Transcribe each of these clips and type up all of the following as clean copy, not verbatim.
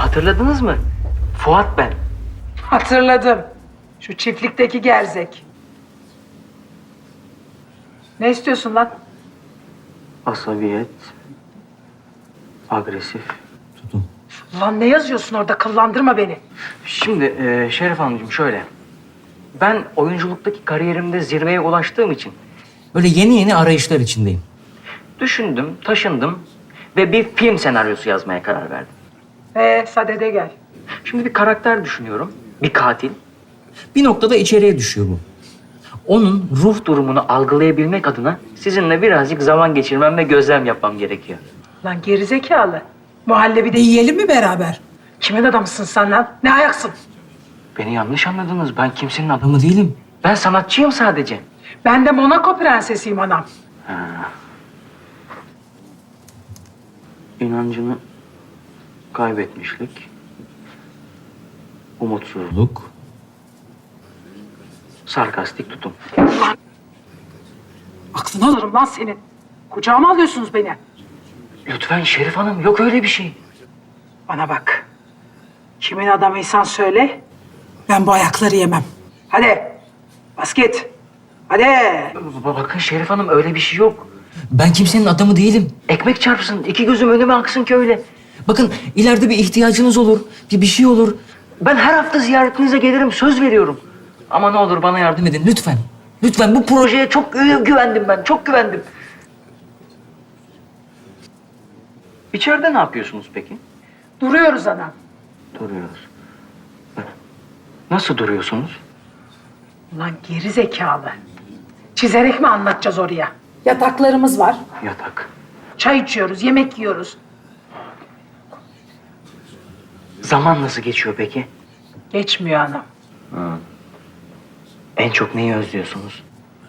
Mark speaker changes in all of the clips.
Speaker 1: Hatırladınız mı? Fuat ben.
Speaker 2: Hatırladım. Şu çiftlikteki gerzek. Ne istiyorsun lan?
Speaker 1: Asabiyet, agresif.
Speaker 2: Lan ne yazıyorsun orada? Kıllandırma beni.
Speaker 1: Şimdi Şeref Hanımcığım şöyle. Ben oyunculuktaki kariyerimde zirveye ulaştığım için böyle yeni arayışlar içindeyim. Düşündüm, taşındım ve bir film senaryosu yazmaya karar verdim.
Speaker 2: Sadede gel.
Speaker 1: Şimdi bir karakter düşünüyorum, bir katil. Bir noktada içeriye düşüyor bu. Onun ruh durumunu algılayabilmek adına sizinle birazcık zaman geçirmem ve gözlem yapmam gerekiyor.
Speaker 2: Lan gerizekalı. Muhallebide yiyelim mi beraber? Kimin adamısın sen lan? Ne ayaksın?
Speaker 1: Beni yanlış anladınız. Ben kimsenin adamı değilim. Ben sanatçıyım sadece.
Speaker 2: Ben de Monaco prensesiyim anam.
Speaker 1: İnancını kaybetmişlik, umutsuzluk, sarkastik tutum.
Speaker 2: Aklını alırım lan senin. Kucağıma alıyorsunuz beni.
Speaker 1: Lütfen Şerif Hanım, yok öyle bir şey.
Speaker 2: Bana bak. Kimin adamıysan söyle. Ben bu ayakları yemem. Hadi. Bas git. Hadi.
Speaker 1: Bakın Şerif Hanım, öyle bir şey yok. Ben kimsenin adamı değilim. Ekmek çarpsın, iki gözüm önüme aksın ki öyle. Bakın ileride bir ihtiyacınız olur, bir şey olur. Ben her hafta ziyaretinize gelirim, söz veriyorum. Ama ne olur bana yardım edin lütfen. Lütfen, bu projeye çok güvendim ben, çok güvendim. İçeride ne yapıyorsunuz peki?
Speaker 2: Duruyoruz anam.
Speaker 1: Duruyoruz. Nasıl duruyorsunuz?
Speaker 2: Ulan geri zekalı. Çizerek mi anlatacağız oraya? Yataklarımız var.
Speaker 1: Yatak.
Speaker 2: Çay içiyoruz, yemek yiyoruz.
Speaker 1: Zaman nasıl geçiyor peki?
Speaker 2: Geçmiyor anam.
Speaker 1: En çok neyi özlüyorsunuz?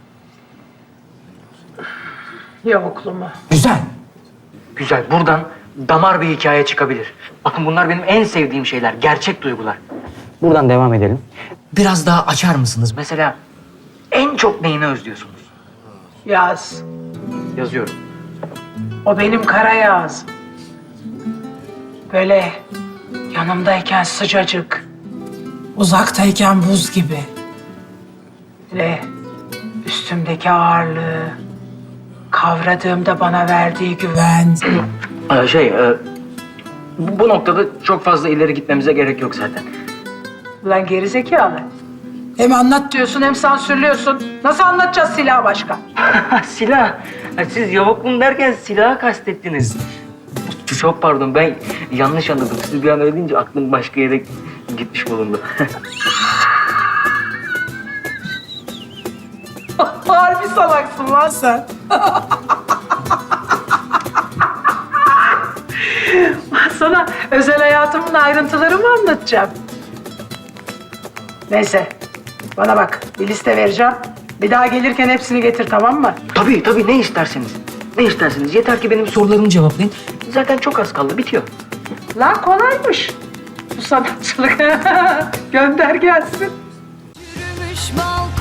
Speaker 2: Yokluğumu.
Speaker 1: Güzel. Güzel. Buradan damar bir hikaye çıkabilir. Bakın bunlar benim en sevdiğim şeyler. Gerçek duygular. Buradan devam edelim. Biraz daha açar mısınız? Mesela en çok neyini özlüyorsunuz?
Speaker 2: Yaz.
Speaker 1: Yazıyorum.
Speaker 2: O benim kara yağız. Böyle yanımdayken sıcacık. Uzaktayken buz gibi. Böyle üstümdeki ağırlığı. Kavradığımda bana verdiği güven.
Speaker 1: Bu noktada çok fazla ileri gitmemize gerek yok zaten.
Speaker 2: Ulan gerizekalı. Hem anlat diyorsun hem sansürlüyorsun. Nasıl anlatacağız silah başka?
Speaker 1: Silah. Ha, siz yavukluğum derken silahı kastettiniz. Çok pardon, ben yanlış anladım. Siz bir an öyle deyince aklım başka yere gitmiş bulundu.
Speaker 2: Harbi salaksın lan sen. Sana özel hayatımın ayrıntıları mı anlatacağım? Neyse, bana bak, bir liste vereceğim. Bir daha gelirken hepsini getir, tamam mı?
Speaker 1: Tabii, ne isterseniz. Ne isterseniz. Yeter ki benim sorularımı cevaplayın. Zaten çok az kaldı, bitiyor.
Speaker 2: Lan kolaymış bu sanatçılık. Gönder gelsin.
Speaker 3: Yürümüş bal